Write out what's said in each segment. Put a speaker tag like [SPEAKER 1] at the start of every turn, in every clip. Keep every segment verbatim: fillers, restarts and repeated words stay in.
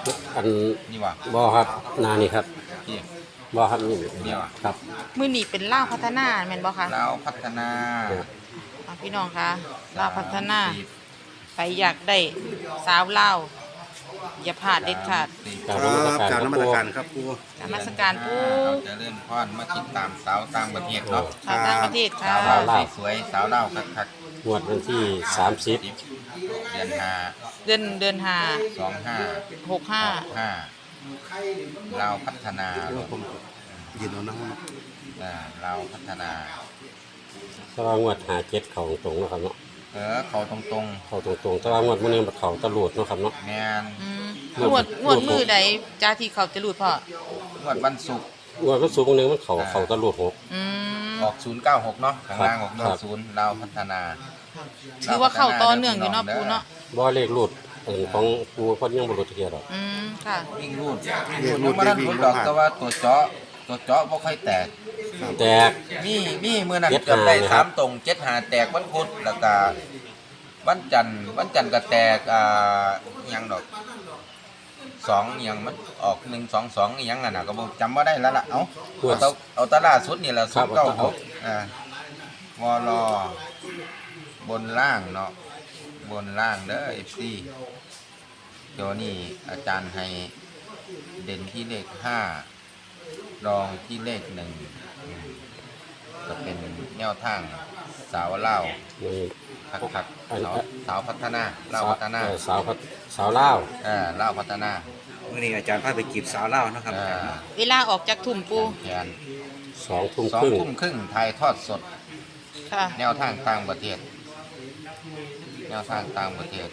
[SPEAKER 1] อัน
[SPEAKER 2] นี่ว่ะ
[SPEAKER 1] บ่ครับนานี่ครับ
[SPEAKER 2] พี่
[SPEAKER 1] บ่ครับนี่
[SPEAKER 2] นี่ว่ะ
[SPEAKER 1] ครับ
[SPEAKER 3] มือหนีเป็นล่าวพัฒนาแม่นบ่คะ
[SPEAKER 2] เราพัฒนา
[SPEAKER 3] อ่ะพี่น้องคะล่าวพัฒนาไปอยากได้สาวล่าวอย่าพลาดเด็ดขาด
[SPEAKER 1] กรา
[SPEAKER 4] ค
[SPEAKER 1] บ
[SPEAKER 4] รับ
[SPEAKER 1] นมัส
[SPEAKER 4] จาก
[SPEAKER 1] การ
[SPEAKER 4] น้ำมัน
[SPEAKER 1] ค
[SPEAKER 4] กา
[SPEAKER 1] รั
[SPEAKER 4] รครับครู
[SPEAKER 3] นมัสการปู
[SPEAKER 2] เราจะเริ่มพอนมาติดตามสาวต่างประเทศเนาะ
[SPEAKER 3] ชาวต่างประเทศค่ะ
[SPEAKER 2] สาวลาวสวยๆสาวเล่าวคัก
[SPEAKER 1] งวดวันที่สามสิบ
[SPEAKER 2] ๆเดือนห้า
[SPEAKER 3] เดือนเดือนหา
[SPEAKER 2] สองห้า
[SPEAKER 3] หกห้า
[SPEAKER 2] ห้าเราพัฒนา
[SPEAKER 4] ว่าผมยืนเอาน้ำ
[SPEAKER 2] อ่าเราพัฒนา
[SPEAKER 1] แต่ว่างวดหาเจ็ดเขาตรงๆเนาะครับเนาะ
[SPEAKER 2] เออเขาตรง
[SPEAKER 1] เขาตรงๆแต่ว่างวดมื้อนี้มันเขาตะลุดเนาะครับเนาะ
[SPEAKER 2] ๆแมน
[SPEAKER 3] อืมงวดงวดมือใดจ้าที่เขาจะรูดพ่อง
[SPEAKER 2] วดวันศุกร์
[SPEAKER 1] งวดมันสูงมื้อนึงมันเขาเขาตะลุดหก
[SPEAKER 3] อืม
[SPEAKER 2] ออกศูนย์เก้าหกเนาะข้างล่างออก
[SPEAKER 1] ครับ
[SPEAKER 2] ศูนย์เราพัฒนา
[SPEAKER 3] ถือว่าเข้าต่อเนื่องอยู่เนาะปูเนาะ
[SPEAKER 1] บ่เลขรูดเอิ่นของปูเพิ่นยังบ่รู้จักเที่ยดอก
[SPEAKER 3] อืมค่ะ
[SPEAKER 2] วิ่งรูด
[SPEAKER 4] เรียก
[SPEAKER 2] รู
[SPEAKER 4] รู
[SPEAKER 2] ด
[SPEAKER 4] ด
[SPEAKER 2] มา
[SPEAKER 4] เรีย
[SPEAKER 2] ดั
[SPEAKER 4] ก
[SPEAKER 2] น
[SPEAKER 4] วิ่ง
[SPEAKER 2] รูด
[SPEAKER 4] ล
[SPEAKER 2] ดอก
[SPEAKER 4] งมา
[SPEAKER 2] แต่ว่าตัวเจาะตัวเจาะบ่ค่อยแตก
[SPEAKER 1] แตก
[SPEAKER 2] มีมีมือนั้น
[SPEAKER 1] เจ็ด
[SPEAKER 2] เกือบได้
[SPEAKER 1] หานะครับ
[SPEAKER 2] สามตรงเจ็ดหาแตกวันพุธแล้วก็วันจันทร์วันจันทร์ก็แตกอ่าอิหยังดอกสองอิหยังมันออกหนึ่งสองสองอิหยังอ่ะนะก็บ่จำว่าได้แล้วล่ะเอาเอาแตาเอาแตาล่าสุดนี่แหละ
[SPEAKER 1] ครั
[SPEAKER 2] สุ
[SPEAKER 1] บ
[SPEAKER 2] ดเก้า
[SPEAKER 1] เอา
[SPEAKER 2] หกอ่าวอลบนล่างเนาะบนล่างเด้อเอฟซีตัวนี้อาจารย์ให้เด่นที่เลขห้ารองที่เลขหนึ่งอืมก็เป็นแนวทางสาวเล่าว
[SPEAKER 1] นี่
[SPEAKER 2] คักคัก
[SPEAKER 1] อัน
[SPEAKER 2] สาวสาวพัฒนาเล่าวพัฒนา
[SPEAKER 1] เอ่อสาวพัฒสาวลาว
[SPEAKER 2] เออเล่าวพัฒนา
[SPEAKER 4] วันนี้อาจารย์พาไปจีบสาวเล่าวนะครับ
[SPEAKER 2] เออ
[SPEAKER 3] เวลาออกจากทุ่มปู
[SPEAKER 2] แขน
[SPEAKER 1] สองทุ่ม
[SPEAKER 2] สอ
[SPEAKER 1] ค
[SPEAKER 2] ง
[SPEAKER 1] รึ่ง
[SPEAKER 2] ทุ่มครึ่งถ่ายทอดสด
[SPEAKER 3] ค่ะ
[SPEAKER 2] แนวทางต่างประเทศ แนวทางต่างประเทศ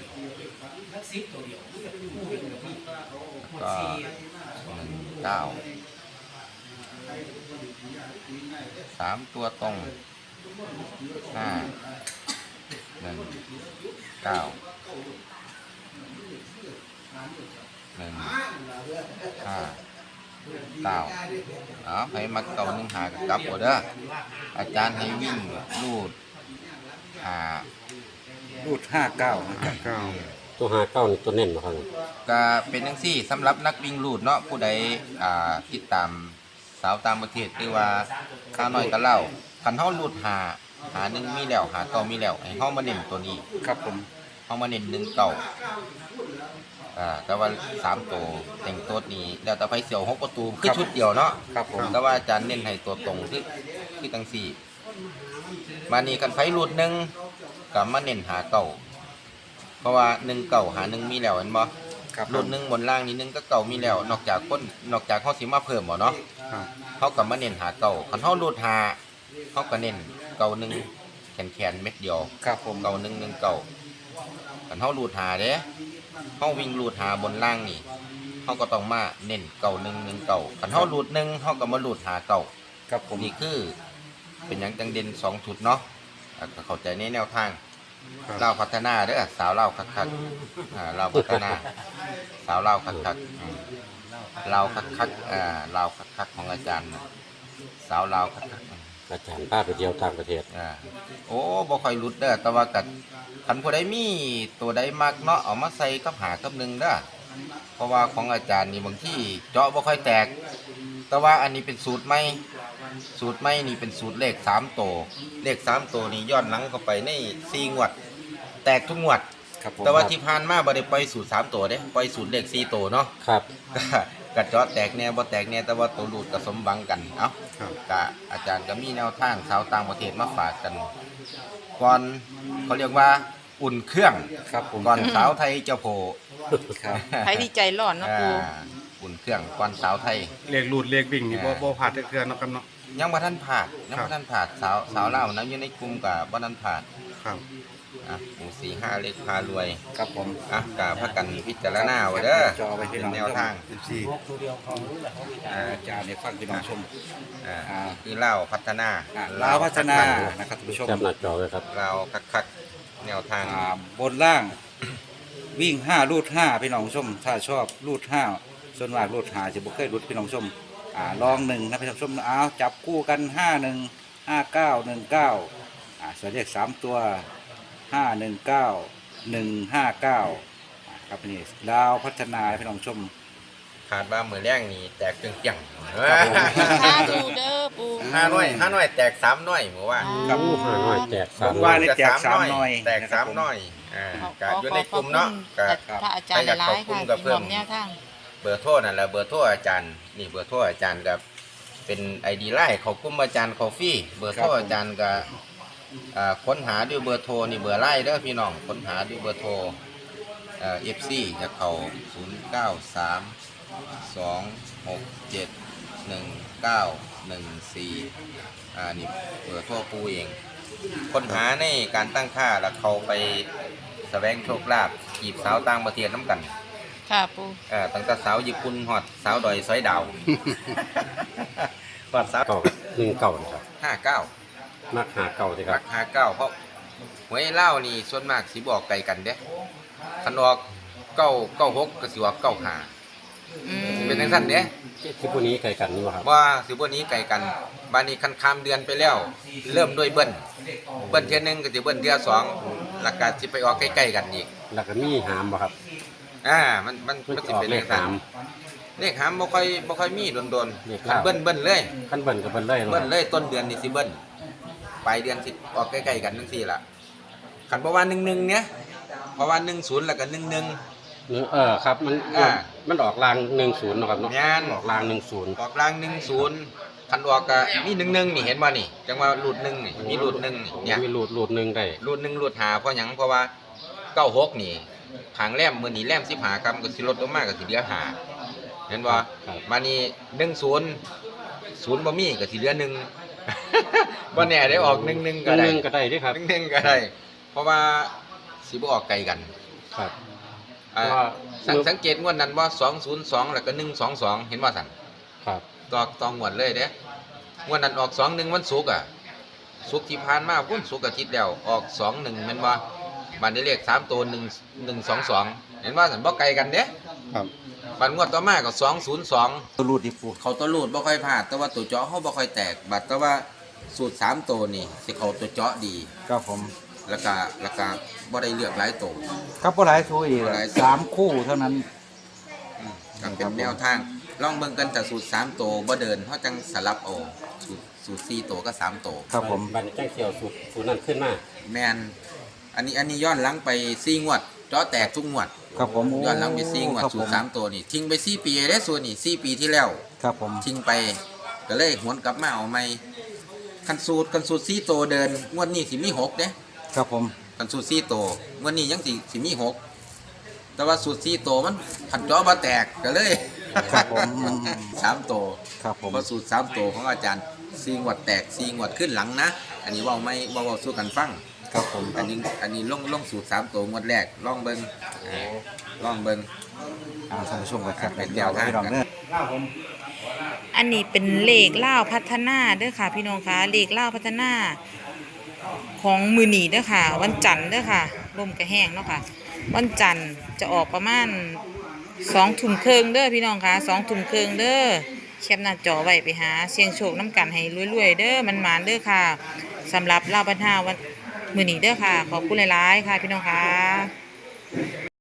[SPEAKER 2] แล้วก็หนึ่งเก้าสามตัวตรงห้าหนึ่งเก้าหนึ่งห้าเก้าเอาให้มักเก่าหนึ่งหากับกลับหมดเด้ออาจารย์ให้วิ่งลูดหา
[SPEAKER 4] รูดห้าเก้านะครับเก้า
[SPEAKER 1] ตัวหาเก้านี่ตัวเน้นเนาะครับ
[SPEAKER 2] ก็เป็นจังซี่สำหรับนักวิ่งลูดเนาะผู้ใดอ่าติดตามสาวต่างประเทศหรือว่าข้าวน้อยก็เล่าคันเฮาลูดหาหาหนึ่งมีแล้วหาเก้ามีแล้วให้เฮามาเน้นตัวนี้
[SPEAKER 4] ครับผม
[SPEAKER 2] เฮามาเน้นหนึ่งเก้าอ่าแต่ว่าสามตัวแต่งตัวนี้แล้วแต่ไปเสี่ยวหกประตูคือชุดเดียวเนาะ
[SPEAKER 4] ครับผม
[SPEAKER 2] แต่ว่าอาจารย์เน้นให้ตัวตรงคือคือจังซี่มานี่กันไฟลูดหนึ่งก็มาเน้นหาเก้าเพราะว่าหนึ่งเก้าหาหนึ่งมีแล้วเห็นบ่
[SPEAKER 4] ครับ
[SPEAKER 2] รุ่นหนึ่งบนล่างนี้หนึงก็เก่ามีแล้ว นอกจากคนนอกจากเขาสิมาเพิ่มบ่เนาะ
[SPEAKER 4] ครับ
[SPEAKER 2] เขาก็มาเน้นหาเก่าคันเขารูดหาเขาก็เน้นเก่าหนึ่งแขนแขนๆเม็ดเดียว
[SPEAKER 4] ครับผม
[SPEAKER 2] เก่าหนึ่งหนึ่งเก่าคันเขารูดหาเด้เขาวิ่งรูดหาบนล่างนี่เขาก็ต้องมาเน้นเก่าหนึ่งหนึ่งเก่าคันเขารูดหนึ่งเขาก็มารูดหาเก่า
[SPEAKER 4] ครับผม
[SPEAKER 2] นี่คือเป็นอย่างจังเด่นสองชุดเนาะอ่ะก็เข้าใจในแนวทาง
[SPEAKER 4] ครับ
[SPEAKER 2] เล่าวพัฒนาเด้อสาวเล่าวคักๆอ่าเล่าวพัฒนา สาวเล่าวคักๆอืมเล่าวคักๆอ่าเล่าวคักๆของอาจารย์น่ะสาวเล่าวคักๆอืม
[SPEAKER 1] อาจารย์พาไปเที่ยวต่างประเทศ
[SPEAKER 2] อ่าโอ้บ่ค่อยหลุดเด้อแต่ว่ากัดคันผู้ใดมีตัวใดมักเนาะเอามาใส่กับหากับหนึ่งเด้อเพราะว่าของอาจารย์นี่บางที่เจาะบ่ค่อยแตก แต่ว่าอันนี้เป็นสูตรใหม่สูตรใหม่นี่เป็นสูตรเลขสามตัวเลขสามตัวนี่ย้อนหลังเข้าไปในสี่งวด แตกทุกงวด
[SPEAKER 4] ครับผม
[SPEAKER 2] แต่ว่าที่ผ่านมาบ่ได้ปล่อยสูตรสามตัวเด้ปล่อยสูตรเลขสี่ตัวเนาะ
[SPEAKER 1] ครับ
[SPEAKER 2] กระเจาะแตกแน่บ่แตกแน่แต่ว่าตัวรูดก็สมหวังกันเอ้า
[SPEAKER 4] ครับ
[SPEAKER 2] กะอาจารย์ก็มีแนวทางชาวต่างประเทศมาฝากกัน ก่อนเขาเรียกว่าอุ่นเครื่อง
[SPEAKER 4] ครับผม
[SPEAKER 2] ก่อนสาวไทยเจ้าโพ
[SPEAKER 4] ครับ
[SPEAKER 3] ใครดีใจร้อนเนาะปู
[SPEAKER 2] อ่าอุ่นเครื่องก่อนสาวไทย
[SPEAKER 4] เรียกรูดเรียกวิ่งนี่บ่บ่ผ่านเทื่อๆเนาะครับเนาะ
[SPEAKER 2] ยังบ่ทันผ่านยัง
[SPEAKER 4] ครั
[SPEAKER 2] บ่
[SPEAKER 4] บ
[SPEAKER 2] ทันผ่านสาวสาวลาวนะอยู่ในกลุ่มกับบ่ทันผ่าน
[SPEAKER 4] ครับ
[SPEAKER 2] อ่ะหมู่สี่ห้าเลขพารวย
[SPEAKER 4] ครับผม
[SPEAKER 2] อ่ะกะพักกันพิจารณาไว้เด้อ
[SPEAKER 4] จอไปที่
[SPEAKER 2] เป็นแนวทาง
[SPEAKER 4] สิบสี่อาจารย์ในฟังพี่น้องชม
[SPEAKER 2] อ่า
[SPEAKER 4] อ่า
[SPEAKER 2] คือเล่าวพัฒนา
[SPEAKER 4] อ่าลาวพัฒนานะครับท่านผู้ชม
[SPEAKER 1] จับหน้าจอเลยครับ
[SPEAKER 2] เราคักๆแนวทาง
[SPEAKER 4] อ่าบนล่างวิ่งห้ารูดห้าพี่น้องชม ถ้าชอบรูดห้าส่วนมากรูดห้าจะบ่เคยรูดพี่น้องชมอ่าลองหนึ่งนะพี่น้องชมเอาจับคู่กันห้าหนึ่งห้าเก้าหนึ่งเก้าอ่าส่วนเลขสามตัวห้าหนึ่งเก้าหนึ่งห้าเก้าครับนี่ดาวพัฒนาพี่น้องชม
[SPEAKER 2] ขาดว่ามือแรงนี่แตกเกลี้ยงๆ
[SPEAKER 3] สาธุเด้อปู
[SPEAKER 2] ห้าน้อยห้าน้อยแตกสามน้อยหมู่ว่า
[SPEAKER 4] ครับ
[SPEAKER 1] อู้ห้าน้อยแจกสาม
[SPEAKER 4] ว่า
[SPEAKER 1] ร้อย
[SPEAKER 4] ได้แจกสามหน่อย
[SPEAKER 2] แตก
[SPEAKER 4] นะครั
[SPEAKER 2] สา
[SPEAKER 4] บ
[SPEAKER 2] ม
[SPEAKER 4] ผม
[SPEAKER 2] น้อยอ่า
[SPEAKER 3] ขอ
[SPEAKER 2] ก็
[SPEAKER 3] ขอ
[SPEAKER 2] อยู่
[SPEAKER 3] ข
[SPEAKER 2] ใน
[SPEAKER 3] อบ
[SPEAKER 2] กลุ่มเนาะก็
[SPEAKER 3] คุณพระอาจารย์หลายๆค่ะที่มอบแนวทาง
[SPEAKER 2] เบอร์โทรนั่นแหละเบอร์โทรอาจารย์นี่เบอร์โทรอาจารย์กับเป็น ไอ ดี ไลน์ของกลุ่มอาจารย์คอฟฟี่เบอร์โทรอาจารย์ก็อ่าค้นหาด้วยเบอร์โทรนี่เบอร์ไลน์เด้อพี่น้องค้นหาด้วยเบอร์โทรเอ่อ เอฟ ซี จะเข้าศูนย์ เก้า สาม สอง หก เจ็ด หนึ่ง เก้า หนึ่ง สี่อ่านี่เบอร์โทรปูเองค้นหาในการตั้งค่าแล้วเขาไปแสวงโชคลาภจีบสาวต่างประเทศน้ำกัน
[SPEAKER 3] ค่ะปู
[SPEAKER 2] เอ่อตั้งแต่สาวญี่ปุ่นฮอดสาวดอยสอยดาว ฮอดสาว
[SPEAKER 1] เก่าหนึ่งเก่านะครับ
[SPEAKER 2] ห้าเก้า
[SPEAKER 1] มักหาเก่าสิค
[SPEAKER 2] รั
[SPEAKER 1] รับ
[SPEAKER 2] กห้าเก้าเพราะหวยเล่าวนี่ส่วนมากสิบอกไกลกันเด้คันออกเก้าเก้าหกก็สิว่าเก้าห้า
[SPEAKER 3] อืม
[SPEAKER 2] เป็นจังซั่นเด้
[SPEAKER 1] ที่พวกนี้ไกลกันนี่บ่ครับ
[SPEAKER 2] ว่าสิบ่นี้ไกลกันบานนี้คันข้ามเดือนไปแล้ว เริ่มด้วยเบิ้ลเบิ้ลเทื่อหนึงก็สิเบิ้ลเทื่อสองแล้วก็สิไปออกใกล้ๆกันอีก
[SPEAKER 1] แล้วก็มีหามบ่ครับ
[SPEAKER 2] อ่ามันมัน
[SPEAKER 1] มัน
[SPEAKER 2] มัน
[SPEAKER 1] จะ
[SPEAKER 2] สิ
[SPEAKER 1] ออก
[SPEAKER 2] เป็น
[SPEAKER 1] เล
[SPEAKER 2] จั
[SPEAKER 1] ข
[SPEAKER 2] งซั่น
[SPEAKER 1] หาม
[SPEAKER 2] เลขหามบ่ค่อยบ่ค่อยมีโดน
[SPEAKER 1] เลข
[SPEAKER 2] ๆ
[SPEAKER 1] ลาว
[SPEAKER 2] เบิ้ลเบิ้ลเลย
[SPEAKER 1] ขั้นเบิ่นกับเบิ่นเลยเนาะ
[SPEAKER 2] เบิ้ลเลยต้นเดือนนี่สิเบิ้ลปลายเดือนสิออกใกล้ๆกันทั้งสี่ละขันเพราะว่าหนึ่งหนึ่งเนี้ยเพราะว่าหนึ่งศูนย์แล้วก็หนึ่งหนึ่ง
[SPEAKER 1] หรือเออครับมัน
[SPEAKER 2] อ่า
[SPEAKER 1] มันออกรางหนึ่งศูนย์เนาะครับเนาะ
[SPEAKER 2] งาน
[SPEAKER 1] ออกรางหนึ่งศูนย์
[SPEAKER 2] ออกกลางหนึ่งศูนย์ขันออกก็มีหนึ่งหนึ่งนี่เห็นบ่นี่จังว่าหลุดหนึ่งนี่มีหลุดหนึ่งนี่เนี่ย
[SPEAKER 1] มีหลุดหลุดหนึ่งได้
[SPEAKER 2] หลุดหนึ่งหลุดหาเพราะหยังเพราะว่าเก้าหกนี่ทางแรมมือนี่แรมสิบหากรัมก็สิลดลงมากก็สิเหลือหาเห็นบ่มานี่หนึ่งศูนย์ศูนย์บ่มีก็สิเหลือหนึ่ง บ่แน่ได้ออกหนึ่งหนึ่ง
[SPEAKER 1] ห
[SPEAKER 2] ก็ได้
[SPEAKER 1] นึ่งก็ได้เด้วยครับ
[SPEAKER 2] หนึ่งหนึ่งก็ได้ เพราะว่าสิบ่ออกไกลกัน
[SPEAKER 1] ครับ
[SPEAKER 2] อ่า
[SPEAKER 1] เพราะว่า
[SPEAKER 2] สังสังเกตงวดนั้นว่าสองศูนย์สองแล้วก็หนึ่งสองสองเห็นว่าสั่น
[SPEAKER 1] ครับ
[SPEAKER 2] ตอกตองงวดเลยเด้งวดนั้นออกสองหนึ่งวันศุกร์อ่ะศุกร์ที่ผ่านมาพุ่นศุกร์อาทิตย์แล้วออกสองหนึ่งแม่นว่าบันได้เลขสามตัวหนึ่งหนึ่งสองสองเห็นว่าสั่นบ่ไกลกันเด้
[SPEAKER 1] ครับ
[SPEAKER 2] บันงวดต่อมาก็สองศูนย์สอง
[SPEAKER 4] ตัวรูดดิปู
[SPEAKER 2] เขาตัวรูดบ่ค่อยพลาดแต่ว่าตัวเจาะเขาบ่ค่อยแตกบัดแต่ว่าสูตรสามตัวนี่สิเขาตัวเจาะดี
[SPEAKER 4] ครับผม
[SPEAKER 2] แล้วก็แล้วก็บ่ได้เลือกหลายตัว
[SPEAKER 4] ครับบ่หลายคู่อีก
[SPEAKER 2] บ่หลาย
[SPEAKER 4] สามคู่เท่านั้น
[SPEAKER 2] อืมก็เป็นแนวทางลองเบิ่งกันแต่สูตรสามตัวบ่เดินเฮาจังสลับเอาสูตรสูตรสี่ตัวก็สามตัว
[SPEAKER 4] ครับผม
[SPEAKER 1] บันแจ้งเกี่ยวสูตรสูตรนั้นขึ้นมา
[SPEAKER 2] แม่นอันนี้อันนี้ย้อนหลังไปสี่งวดเจาะแตกทุกงวด
[SPEAKER 4] ครับผม
[SPEAKER 2] ย้อนหลังไปสี่งวด
[SPEAKER 4] ครับ
[SPEAKER 2] สู
[SPEAKER 4] ผ
[SPEAKER 2] ตรสามตัวนี่ทิ้งไปสี่ปีได้ส่วนนี่สี่ปีที่แล้ว
[SPEAKER 4] ครับผม
[SPEAKER 2] ทิ้งไปก็เลยหวนกลับมาเอาใหม่คันสูตรคันสูตรสี่ตัวเดินงวดนี้สิมีหกเด้
[SPEAKER 4] ครับผม
[SPEAKER 2] คันสูตรสี่ตัวงวดนี้ยังสิสิมีหกแต่ว่าสูตรสี่ตัวมันขันเจาะบ่แตกก็เลย
[SPEAKER 4] ครับผม
[SPEAKER 2] สามตัว
[SPEAKER 4] ครับผม
[SPEAKER 2] เพราะสูตรสามตัวของอาจารย์สี่งวดแตกสี่งวดขึ้นหลังนะ อันนี้เว่าไม่เว่าเว้าสู้กันฟัง
[SPEAKER 4] ครับผม
[SPEAKER 2] อันนี้อันนี้ลงลงสูตรสามตัวงวดแรกลองเบิ้งอ่าลองเบิ้ง
[SPEAKER 4] อ่าท่านผู้ชมกันครับ
[SPEAKER 2] เป็น
[SPEAKER 4] เดี๋ยว
[SPEAKER 2] แนวทาง
[SPEAKER 4] พี่น้องเด้อ
[SPEAKER 3] อันนี้เป็นเลขเล่าวพัฒนาเด้อค่ะ พี่น้องคะเลขเล่าวพัฒนาของมือหนีเด้อค่ะ วันจันทร์เด้อค่ะลมกระแห้งเนาะค่ะ วันจันทร์จะออกประมาณสองทุ่มครึ่งเด้อพี่น้องคะสองทุ่มครึ่งเด้อแคปหน้าจอไว้ไปหาเสียงโชคน้ำกันให้รวยๆเด้อมันหมานๆเด้อค่ะสำหรับเล่าวพัฒนาวันมือหนีเด้อค่ะ ขอบคุณหลายๆค่ะ พี่น้องคะ